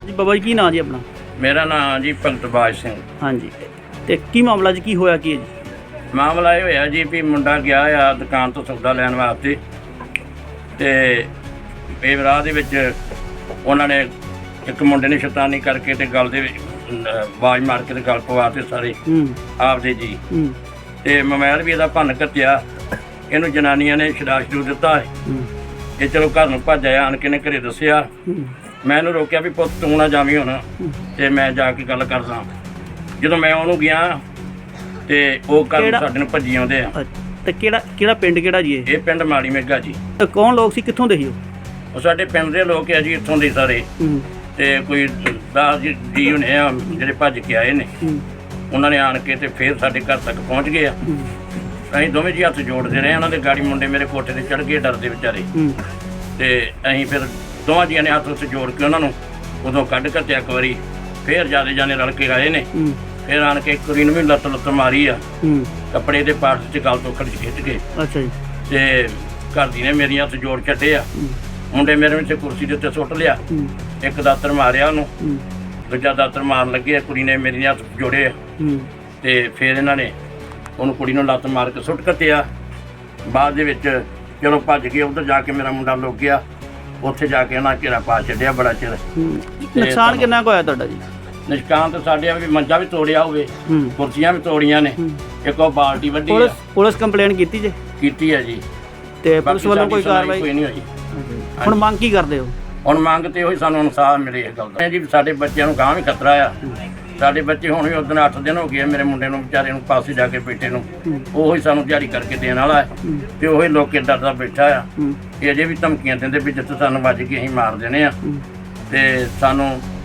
ਜੀ ਬਾਬਾ ਜੀ ਕੀ ਨਾਂ ਜੀ ਆਪਣਾ? ਮੇਰਾ ਨਾਮ ਜੀ ਭਗਤਬਾਜ ਸਿੰਘ। ਹਾਂਜੀ, ਤੇ ਕੀ ਮਾਮਲਾ ਜੀ, ਕੀ ਹੋਇਆ ਕੀ ਹੈ ਜੀ? ਮਾਮਲਾ ਇਹ ਹੋਇਆ ਜੀ ਵੀ ਮੁੰਡਾ ਗਿਆ ਆ ਦੁਕਾਨ ਤੋਂ ਸੌਦਾ ਲੈਣ ਵਾਸਤੇ, ਤੇ ਇਹ ਰਾਹ ਦੇ ਵਿੱਚ ਉਹਨਾਂ ਨੇ ਇੱਕ ਮੁੰਡੇ ਨੇ ਸ਼ੈਤਾਨੀ ਕਰਕੇ ਤੇ ਗਲ ਦੇ ਵਿੱਚ ਆਵਾਜ਼ ਮਾਰ ਕੇ ਤੇ ਗਲ ਪਵਾ ਤੇ ਸਾਰੇ ਆਪਦੇ ਜੀ, ਤੇ ਮੋਬਾਈਲ ਵੀ ਇਹਦਾ ਭੰਨ ਘੱਤਿਆ। ਇਹਨੂੰ ਜਨਾਨੀਆਂ ਨੇ ਛਡਾ ਦਿੱਤਾ ਹੈ। ਇਹ ਚਲੋ ਘਰ ਨੂੰ ਭੱਜ ਆਇਆ, ਆਣ ਕੇ ਨੇ ਘਰੇ ਦੱਸਿਆ। ਮੈਂ ਇਹਨੂੰ ਰੋਕਿਆ ਵੀ ਪੁੱਤ ਤੂੰ ਨਾ ਜਾਵੀਂ ਹੁਣ, ਤੇ ਮੈਂ ਜਾ ਕੇ ਗੱਲ ਕਰਦਾ। ਜਦੋਂ ਮੈਂ ਉਹਨੂੰ ਗਿਆ ਤੇ ਉਹ ਘਰ ਸਾਡੇ ਨੂੰ ਭੱਜੀ ਆਉਂਦੇ ਆ। ਤੇ ਕਿਹੜਾ ਪਿੰਡ ਕਿਹੜਾ ਜੀ ਇਹ ਪਿੰਡ ਮਾੜੀ ਮੇਗਾ ਜੀ। ਤੇ ਕੌਣ ਲੋਕ ਸੀ, ਕਿੱਥੋਂ ਦੇ ਸੀ ਉਹ ਸਾਡੇ ਪਿੰਡ ਦੇ ਲੋਕ ਆ ਜੀ, ਇੱਥੋਂ ਦੇ ਸਾਰੇ। ਤੇ ਕੋਈ 10 ਜੀ ਹੋਣੇ ਆ ਜਿਹੜੇ ਭੱਜ ਕੇ ਆਏ ਨੇ। ਉਹਨਾਂ ਨੇ ਆਣ ਕੇ ਤੇ ਫਿਰ ਸਾਡੇ ਘਰ ਤੱਕ ਪਹੁੰਚ ਗਏ ਆ। ਅਸੀਂ ਦੋਵੇਂ ਜੀ ਹੱਥ ਜੋੜਦੇ ਰਹੇ। ਉਹਨਾਂ ਦੇ ਗਾੜੀ ਮੁੰਡੇ ਮੇਰੇ ਕੋਠੇ ਤੇ ਚੜ੍ਹ ਗਏ ਡਰਦੇ ਵਿਚਾਰੇ, ਤੇ ਅਸੀਂ ਫਿਰ ਦੋਵਾਂ ਜੀਆਂ ਨੇ ਹੱਥ ਉੱਤੇ ਜੋੜ ਕੇ ਉਹਨਾਂ ਨੂੰ ਉਦੋਂ ਕੱਢ ਘੱਤਿਆ ਇੱਕ ਵਾਰੀ। ਫਿਰ ਜਿਆਦਾ ਜਾਣੇ ਰਲ ਕੇ ਆਏ ਨੇ। ਫਿਰ ਆਣ ਕੇ ਕੁੜੀ ਨੂੰ ਵੀ ਲੱਤ ਮਾਰੀ ਆ, ਕੱਪੜੇ ਦੇ ਪਾਰਟ 'ਚ ਗਲ ਤੋਂ ਖਿੱਚ ਕੇ। ਅੱਛਾ ਜੀ। ਤੇ ਘਰ ਦੀ ਨੇ ਮੇਰੀਆਂ ਹੱਥ ਜੋੜ ਛੱਡੇ ਆ। ਮੁੰਡੇ ਮੇਰੇ ਵਿੱਚ ਕੁਰਸੀ ਦੇ ਉੱਤੇ ਸੁੱਟ ਲਿਆ। ਇੱਕ ਦਾਤਰ ਮਾਰਿਆ ਉਹਨੂੰ, ਦੂਜਾ ਦਾਤਰ ਮਾਰਨ ਲੱਗੇ। ਕੁੜੀ ਨੇ ਮੇਰੀਆਂ ਹੱਥ ਜੋੜੇ ਆ, ਤੇ ਫਿਰ ਇਹਨਾਂ ਨੇ ਉਹਨੂੰ ਕੁੜੀ ਨੂੰ ਲੱਤ ਮਾਰ ਕੇ ਸੁੱਟ ਕੱਤਿਆ। ਬਾਅਦ ਦੇ ਵਿੱਚ ਜਦੋਂ ਭੱਜ ਗਏ ਉੱਧਰ ਜਾ ਕੇ ਮੇਰਾ ਮੁੰਡਾ ਲੁੱਕ ਗਿਆ। ਉੱਥੇ ਜਾ ਕੇ ਉਹਨਾਂ ਘੇਰਾ ਪਾ ਛੱਡਿਆ ਬੜਾ ਚਿਰ। ਨੁਕਸਾਨ ਕਿੰਨਾ ਕੁ ਹੋਇਆ ਤੁਹਾਡਾ ਜੀ? ਨਿਸ਼ਕਾਨ ਤਾਂ ਸਾਡੇ ਵੀ ਮੰਜਾ ਵੀ ਤੋੜਿਆ ਹੋਵੇ, ਕੁਰਸੀਆਂ ਵੀ ਤੋੜੀਆਂ ਨੇ, ਇੱਕ ਉਹ ਬਾਲਟੀ ਵੱਢੀ ਆ। ਪੁਲਿਸ ਕੰਪਲੇਂਟ ਕੀਤੀ ਜੇ? ਕੀਤੀ ਹੈ ਜੀ। ਤੇ ਪੁਲਿਸ ਵੱਲੋਂ ਕੋਈ ਕਾਰਵਾਈ ਕੋਈ ਨਹੀਂ ਹੋਈ। ਹੁਣ ਮੰਗ ਕੀ ਕਰਦੇ ਹੋ? ਹੁਣ ਮੰਗ ਤੇ ਉਹੀ ਸਾਨੂੰ ਇਨਸਾਫ ਮਿਲੇ ਇਸ ਗੱਲ ਦਾ ਜੀ। ਸਾਡੇ ਬੱਚਿਆਂ ਨੂੰ ਗਾਂ ਵੀ ਖਤਰਾ ਆ। ਸਾਡੇ ਬੱਚੇ ਹੁਣ ਵੀ ਉਦੋਂ 8 ਦਿਨ ਹੋ ਗਏ ਮੇਰੇ ਮੁੰਡੇ ਨੂੰ ਵਿਚਾਰੇ ਨੂੰ ਪਾਸੇ ਜਾ ਕੇ ਬੈਠੇ ਨੂੰ। ਉਹੀ ਸਾਨੂੰ ਦਿਹਾੜੀ ਕਰਕੇ ਦੇਣ ਵਾਲਾ ਹੈ, ਤੇ ਉਹੀ ਲੋਕੇ ਡਰਦਾ ਬੈਠਾ ਆ। ਇਹ ਅਜੇ ਵੀ ਧਮਕੀਆਂ ਦਿੰਦੇ ਵੀ ਜਿੱਥੇ ਸਾਨੂੰ ਵੱਜ ਕੇ ਅਸੀਂ ਮਾਰ ਦੇਣੇ ਆ। ਤੇ ਸਾਨੂੰ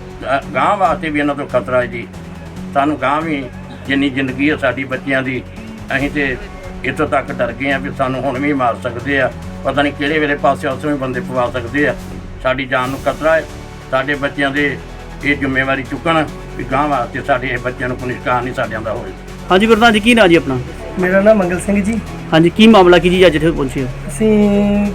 ਗਾਂ ਵਾਸਤੇ ਵੀ ਇਹਨਾਂ ਤੋਂ ਖਤਰਾ ਹੈ ਜੀ। ਸਾਨੂੰ ਗਾਂ ਵੀ ਜਿੰਨੀ ਜ਼ਿੰਦਗੀ ਹੈ ਸਾਡੀ ਬੱਚਿਆਂ ਦੀ, ਅਸੀਂ ਤੇ ਇੱਥੋਂ ਤੱਕ ਡਰ ਗਏ ਆ ਵੀ ਸਾਨੂੰ ਹੁਣ ਵੀ ਮਾਰ ਸਕਦੇ ਆ। ਪਤਾ ਨਹੀਂ ਕਿਹੜੇ ਵੇਲੇ ਪਾਸੇ ਉਸੇ ਵੀ ਬੰਦੇ ਪਵਾ ਸਕਦੇ ਆ। ਸਾਡੀ ਜਾਨ ਨੂੰ ਖਤਰਾ ਹੈ। ਸਾਡੇ ਬੱਚਿਆਂ ਦੇ ਇਹ ਜ਼ਿੰਮੇਵਾਰੀ ਚੁੱਕਣ ਵੀ ਗਾਂ ਵਾਸਤੇ ਸਾਡੇ ਇਹ ਬੱਚਿਆਂ ਨੂੰ ਕੋਈ ਨਿਸ਼ਕਾਨ ਨਹੀਂ ਸਾਡਿਆਂ ਦਾ ਹੋਵੇ। ਹਾਂਜੀ ਪ੍ਰਧਾਨ ਜੀ, ਕੀ ਨਾਂ ਜੀ ਆਪਣਾ? ਮੇਰਾ ਨਾਮ ਮੰਗਲ ਸਿੰਘ ਜੀ। ਹਾਂਜੀ, ਕੀ ਮਾਮਲਾ ਕੀ ਜੀ ਅੱਜ ਇੱਥੇ ਪਹੁੰਚੇ ਹੋ? ਅਸੀਂ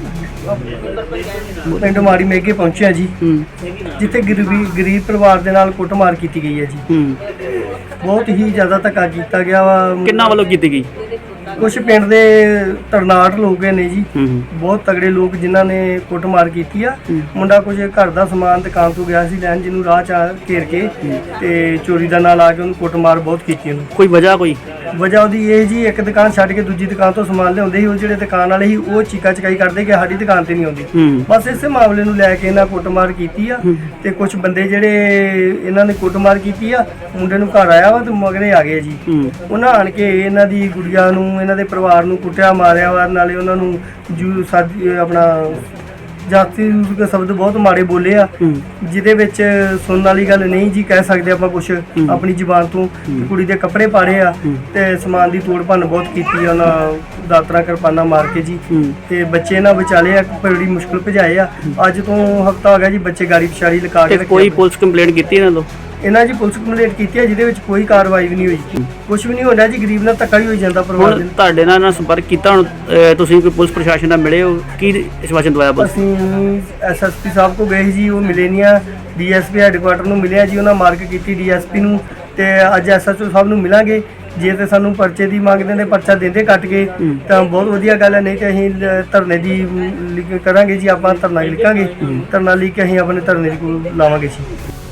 ਪਿੰਡ ਮਾੜੀ ਮੇਗੇ ਪਹੁੰਚੇ ਹਾਂ ਜੀ, ਜਿੱਥੇ ਗਰੀਬ ਪਰਿਵਾਰ ਦੇ ਨਾਲ ਕੁੱਟਮਾਰ ਕੀਤੀ ਗਈ ਹੈ ਜੀ। ਬਹੁਤ ਹੀ ਜ਼ਿਆਦਾ ਧੱਕਾ ਕੀਤਾ ਗਿਆ ਵਾ। ਕਿੰਨਾ ਵੱਲੋਂ ਕੀਤੀ ਗਈ? ਕੁਝ ਪਿੰਡ ਦੇ ਤਰਨਾਟ ਲੋਕ ਨੇ ਜੀ, ਬਹੁਤ ਤਗੜੇ ਲੋਕ ਜਿਨ੍ਹਾਂ ਨੇ ਕੁੱਟਮਾਰ ਕੀਤੀ ਆ। ਮੁੰਡਾ ਕੁਝ ਘਰ ਦਾ ਸਮਾਨ ਦੁਕਾਨ ਤੋਂ ਗਿਆ ਸੀ ਲੈਣ, ਜਿਹਨੂੰ ਰਾਹ 'ਚ ਘੇਰ ਕੇ ਤੇ ਚੋਰੀ ਦਾ ਨਾਲ ਆ ਕੇ ਉਹਨੂੰ ਕੁੱਟਮਾਰ ਬਹੁਤ ਕੀਤੀ। ਉਹਨੂੰ ਕੋਈ ਵਜ੍ਹਾ ਉਹਦੀ ਇਹ ਜੀ, ਇੱਕ ਦੁਕਾਨ ਛੱਡ ਕੇ ਦੂਜੀ ਦੁਕਾਨ ਤੋਂ ਸਮਾਨ ਲਿਆਉਂਦੇ ਸੀ। ਉਹ ਜਿਹੜੇ ਦੁਕਾਨ ਵਾਲੇ ਸੀ ਉਹ ਚੀਕਾ ਚਕਾਈ ਕਰਦੇ ਕਿ ਸਾਡੀ ਦੁਕਾਨ ਤੇ ਨਹੀਂ ਆਉਂਦੀ। ਬਸ ਇਸੇ ਮਾਮਲੇ ਨੂੰ ਲੈ ਕੇ ਇਹਨਾਂ ਕੁੱਟਮਾਰ ਕੀਤੀ ਆ। ਤੇ ਕੁਝ ਬੰਦੇ ਜਿਹੜੇ ਇਹਨਾਂ ਨੇ ਕੁੱਟਮਾਰ ਕੀਤੀ ਆ, ਮੁੰਡੇ ਨੂੰ ਘਰ ਆਇਆ ਵਾ ਤੇ ਮਗਰੇ ਆ ਗਏ ਜੀ। ਉਹਨਾਂ ਆਣ ਕੇ ਇਹਨਾਂ ਦੀ ਗੁੜੀਆ ਨੂੰ, ਇਹਨਾਂ ਦੇ ਪਰਿਵਾਰ ਨੂੰ ਕੁੱਟਿਆ ਮਾਰਿਆ ਵਾ। ਨਾਲੇ ਉਹਨਾਂ ਨੂੰ ਆਪਣਾ ਜਾਤੀ ਸ਼ਬਦ ਬਹੁਤ ਮਾੜੇ ਬੋਲੇ ਆ, ਜਿਹਦੇ ਵਿੱਚ ਸੁਣਨ ਵਾਲੀ ਗੱਲ ਨਹੀਂ ਜੀ ਕਹਿ ਸਕਦੇ ਆਪਾਂ ਕੁਛ ਆਪਣੀ ਜ਼ੁਬਾਨ ਤੋਂ। ਕੁੜੀ ਦੇ ਕੱਪੜੇ ਪਾੜੇ ਆ ਤੇ ਸਮਾਨ ਦੀ ਤੋੜ ਭੰਨ ਬਹੁਤ ਕੀਤੀ ਆ ਉਹਨਾਂ, ਦਾਤਰਾ ਕਿਰਪਾਨਾਂ ਮਾਰ ਕੇ ਜੀ। ਤੇ ਬੱਚੇ ਨਾ ਵਿਚਾਲੇ ਆ, ਬੜੀ ਮੁਸ਼ਕਲ ਭਜਾਏ ਆ। ਅੱਜ ਤੋਂ ਹਫਤਾ ਹੋ ਗਿਆ ਜੀ, ਬੱਚੇ ਗਾੜੀ ਪਿਛਾੜੀ ਲਗਾ ਕੇ। ਕੋਈ ਪੁਲਿਸ ਕੰਪਲੇਂਟ ਕੀਤੀ ਇਹਨਾਂ ਤੋਂ? ਇਹਨਾਂ ਜੀ ਪੁਲਿਸ ਕੰਪਲੇਂਟ ਕੀਤੀ ਹੈ, ਜਿਹਦੇ ਵਿੱਚ ਕੋਈ ਕਾਰਵਾਈ ਵੀ ਨਹੀਂ ਹੋਈ। ਕੁਝ ਵੀ ਨਹੀਂ ਹੋ ਰਿਹਾ ਜੀ, ਗਰੀਬ ਨਾਲ ਧੱਕਾ ਹੀ ਹੋਈ ਜਾਂਦਾ ਪਰਿਵਾਰ ਦੇ। ਤੁਹਾਡੇ ਨਾਲ ਸੰਪਰਕ ਕੀਤਾ ਹੁਣ ਤੁਸੀਂ, ਕੋਈ ਪੁਲਿਸ ਪ੍ਰਸ਼ਾਸਨ ਨਾਲ ਮਿਲੇ ਹੋ? ਕੀ ਆਸ਼ਵਾਸਨ ਦਵਾਇਆ? ਅਸੀਂ ਐਸਐਸਪੀ ਸਾਹਿਬ ਕੋਲ ਗਏ ਜੀ, ਉਹ ਮਿਲੇ ਨਹੀਂ ਆ। ਡੀਐਸਪੀ ਹੈੱਡਕੁਆਟਰ ਨੂੰ ਮਿਲਿਆ ਜੀ, ਉਹਨਾਂ ਮਾਰਕ ਕੀਤੀ ਡੀਐਸਪੀ ਨੂੰ। ਤੇ ਅੱਜ ਐਸਐਚਓ ਸਾਹਿਬ ਨੂੰ ਮਿਲਾਂਗੇ। ਜੇ ਤੇ ਸਾਨੂੰ ਪਰਚੇ ਦੀ ਮੰਗਦੇ ਨੇ, ਪਰਚਾ ਦਿੰਦੇ ਕੱਟ ਕੇ ਤਾਂ ਬਹੁਤ ਵਧੀਆ ਗੱਲ ਹੈ। ਨਹੀਂ ਤੇ ਅਸੀਂ ਧਰਨੇ ਦੀ ਕਰਾਂਗੇ ਜੀ। ਆਪਾਂ ਧਰਨਾ ਲਿਖਾਂਗੇ, ਧਰਨਾ ਲਿਖ ਕੇ ਅਸੀਂ ਆਪਣੇ ਧਰਨੇ ਦੀ ਕੋਲ ਲਾਵਾਂਗੇ ਜੀ।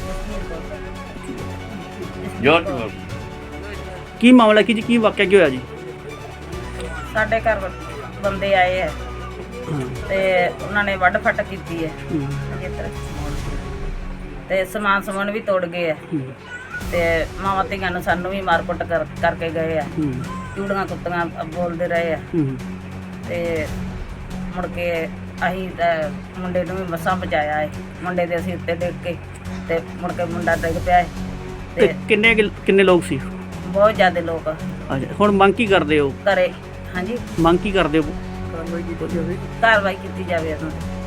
ਕੀ ਮਾਮਲਾ ਕੀ ਜੀ, ਕੀ ਵਾਕਿਆ ਕੀ ਹੋਇਆ ਜੀ? ਸਾਡੇ ਘਰ ਬੰਦੇ ਆਏ ਆ ਤੇ ਉਹਨਾਂ ਨੇ ਵੱਢ ਫੱਟ ਕੀਤੀ ਹੈ ਤੇ ਸਮਾਨ ਸਮੂਨ ਵੀ ਤੋੜ ਗਏ ਆ। ਤੇ ਮਾਵਾਂ ਧੀਆਂ ਨੂੰ ਸਾਨੂੰ ਵੀ ਮਾਰ ਕੁੱਟ ਕਰਕੇ ਗਏ ਆ। ਚੂੜੀਆਂ ਕੁੱਤੀਆਂ ਬੋਲਦੇ ਰਹੇ ਆ। ਤੇ ਮੁੜ ਕੇ ਅਸੀਂ ਮੁੰਡੇ ਨੂੰ ਵੀ ਮਸਾਂ ਬਚਾਇਆ ਹੈ। ਮੁੰਡੇ ਦੇ ਅਸੀਂ ਉੱਤੇ ਡਿੱਗ ਕੇ ਤੇ ਮੁੜ ਕੇ ਮੁੰਡਾ ਡਿੱਗ ਪਿਆ ਹੈ। ਤੇ ਕਿੰਨੇ ਲੋਕ ਸੀ? ਬਹੁਤ ਜ਼ਿਆਦਾ ਲੋਕ। ਅੱਛਾ, ਹੁਣ ਮੰਗ ਕੀ ਕਰਦੇ ਹੋ? ਘਰੇ ਹਾਂਜੀ ਮੰਗ ਕੀ ਕਰਦੇ ਹੋ? ਕਾਰਵਾਈ ਕੀਤੀ ਜਾਵੇ ਉਹਨਾਂ ਦੀ।